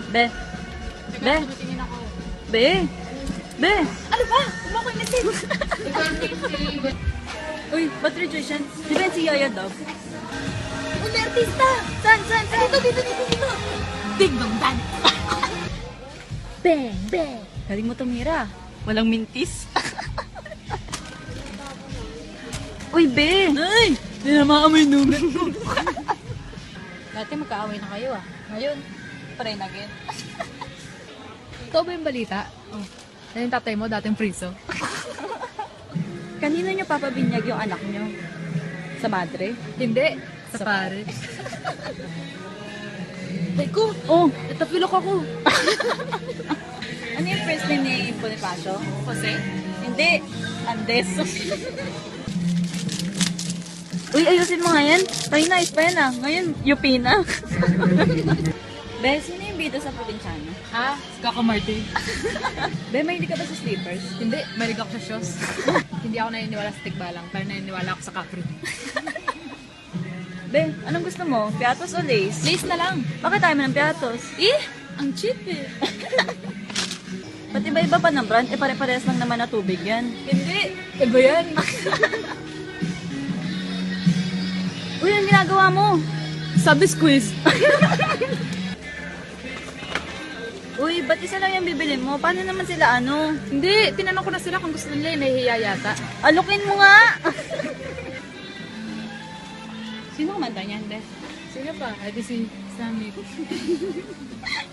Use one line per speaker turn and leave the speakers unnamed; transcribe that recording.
Be. Be.
Tingin ako.
Be. Be.
Ano ba? Huwag mo ko i-message.
Uy, ba't rejection? Di ba yan si Yaya Dove?
Uy, may artista.
Saan? Saan? Saan?
Dito. Ding dong dan. Bang, bang.
Galing mo tumira. Walang mintis. Uy, Be.
Ay!
Hindi na maamoy nugat ko.
Dati magkaaway na kayo ah.
Ngayon, pare na again.
Ito ba yung balita? Oh. Na yung tatay mo, dating priso.
Kanino niyo papabinyag yung anak niyo? Sa madre?
Hindi. Sa pare. Teko,
Oh,
natapilok ako.
ano yung first name ni Bonifacio?
Jose?
Hindi. Andes. Uy, ayusin mo nga yan. Tayo na, pa yan ah. Ngayon, UP na. Be, sino yung bida sa probinsyano?
Ha? Kaka Martin.
Be, may hindi ka ba sa sleepers?
Hindi, marig ako sa shows. Hindi ako naniniwala sa tigbalang, pero naniniwala ako sa Capri.
Be, anong gusto mo? Piatos o lace?
Lace na lang.
Bakit tayo ng piatos?
Ang cheap eh.
Ba't iba-iba pa ng brand? Eh, pare-pares lang naman na tubig yan.
Hindi. Iba yan.
Uy, ang ginagawa mo?
Sabi squeeze.
Uy, ba't isa lang yung bibili mo? Paano naman sila ano?
Hindi, tinanong ko na sila kung gusto nila yung nahihiya yata.
Alukin mo nga! Sino kumanta niyan, Be?
Sino pa? Ay, di si Sammy.